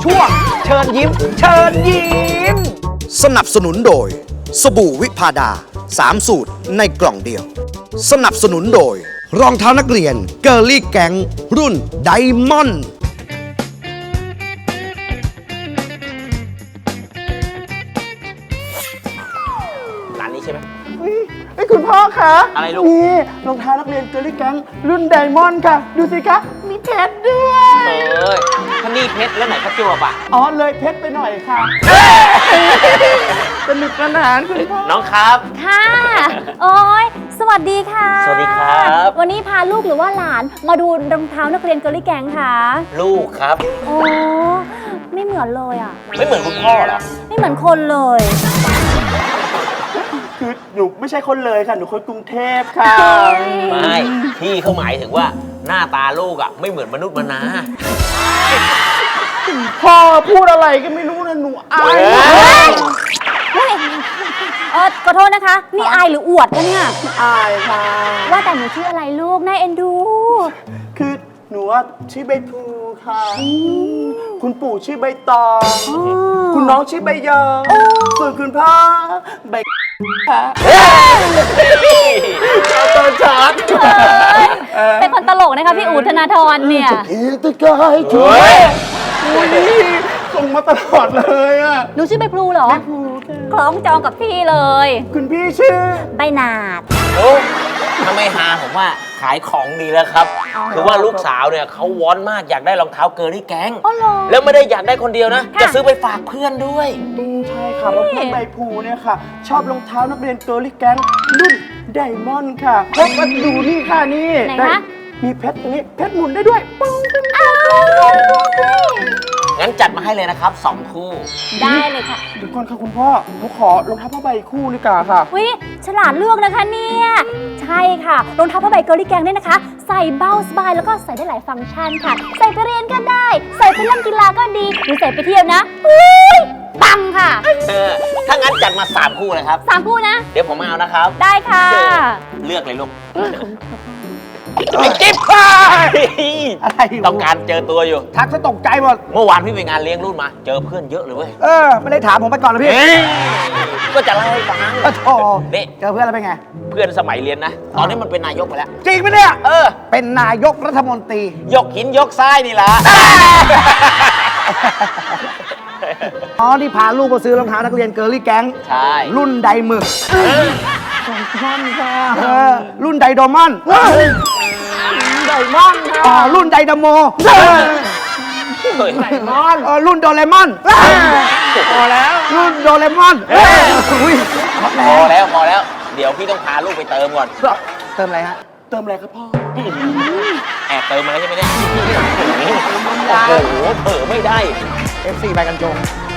ช่วงเชิญยิ้ม เชิญยิ้มสนับสนุนโดย สบู่วิพาดา 3 สูตรในกล่องเดียว สนับสนุนโดย รองเท้านักเรียนเกอร์ลี่แก๊งรุ่นไดมอนด์ร้านนี้ใช่ไหมไอ้คุณพ่อคะอะไรลูกนี่รองเท้านักเรียนเกอร์ลี่แก๊งรุ่นไดมอนด์ค่ะ ดูสิคะมีเพชรด้วยถ้านี่เพชรแล้วไหนประจวบอ่ะอ๋อเลยเพชรไปหน่อยค่ะสนุกสนานคุณพ่อน้องครับค่ะ โอ้ยสวัสดีค่ะสวัสดีครับวันนี้พาลูกหรือว่าหลานมาดูรองเท้านักเรียนเกอร์ลี่แก๊งค่ะลูกครับโอ้ไม่เหมือนเลยอ่ะไม่เหมือนคุณพ่อเหรอไม่เหมือนคนเลยคือหนูไม่ใช่คนเลยค่ะ หนูคนกรุงเทพค่ะไม่พี่เขาหมายถึงว่าหน้าตาลูกอ่ะไม่เหมือนมนุษย์มนาพ่อพูดอะไรก็ไม่รู้นะหนูอายเฮ้ยขอโทษนะคะ นี่อายหรืออวดกันเนี่ยอายค่ะว่าแต่หนูชื่ออะไรลูก น่าเอ็นดูคือหนูว่าชื่อใบพลูค่ะ คุณปู่ชื่อใบตอง คุณน้องชื่อใบยอส่วนคุณพ่อใบค่ะตอนชัดเป็นคนตลกนะคะพี่อู๋ธนาธรเนี่ยเอตะกายช่วยอุ้ยส่งมาตลอดเลยอ่ะหนูชื่อใบพลูเหรอ คล้องจองกับพี่เลยคุณพี่ชื่อใบหนาดโอ้ทำไมหาผมว่าขายของดีแล้วครับ คือว่าลูกสาวเนี่ยเขาวอนมากอยากได้รองเท้าเกอร์ลี่แก๊งอ๋อเหรอแล้วไม่ได้อยากได้คนเดียวนะค่ะจะซื้อไปฝากเพื่อนด้วยใช่ค่ะเพราะเพื่อนใบพลูเนี่ยค่ะ ชอบรองเท้านักเรียนเกอร์ลี่แก๊งรุ่นไดมอนด์ค่ะเพราะมาดูนี่ค่ะนี่ไหนคะมีเพชรตรงนี้เพชรหมุนได้ด้วยปึ้งปึ้งงั้นจัดมาให้เลยนะครับ2 คู่ได้เลยค่ะเดี๋ยวก่อนค่ะคุณพ่อหนูขอรองเท้าผ้าใบคู่ดีกว่าค่ะวิฉลาดเลือกนะคะเนี่ย ใช่ค่ะ รองเท้าผ้าใบเกอร์ลี่แกงเนี่ยนะคะ ใส่เบาสบายแล้วก็ใส่ได้หลายฟังก์ชันค่ะ ใส่ไปเรียนก็ได้ ใส่ไปเล่นกีฬาก็ดีหรือใส่ไปเที่ยวนะอุ้ยปังค่ะถ้างั้นจัดมา3 คู่เลยครับ 3 คู่นะเดี๋ยวผมมาเอานะครับได้ค่ะเลือกเลยลูกไอ้จิ๊บอะไรอยู่ต้องการเจอตัวอยู่ทักซะตกใจหมดเมื่อวานพี่ไปงานเลี้ยงรุ่นมา เจอเพื่อนเยอะเลยเว้ยไม่ได้ถามผมไปก่อนเลยพี่ก็จะเล่าให้ฟังโอ้นี่เจอเพื่อนแล้วเป็นไงเพื่อนสมัยเรียนนะ ตอนนี้มันเป็นนายกไปแล้วจริงไหมเนี่ยเออเป็นนายกรัฐมนตรียกหินยกทรายนี่ละอ๋อ ที่พาลูกมาซื้อรองเท้านักเรียนเกอร์ลี่แก๊งใช่รุ่นไดหมึกรุ่นไดโดมอนไดมอนค่ะรุ่นไดดาโมเฮ้ยรุ่นโดเรมอนพอแล้ว รุ่นโดเรมอนอุ้ยพอแล้ว เดี๋ยวพี่ต้องพาลูกไปเติมก่อนเติมอะไรฮะ เติมอะไรครับพ่อแอบเติมมาแล้วใช่ไหมเนี่ย โอ้โหเผลอไม่ได้ FC ใบกันจง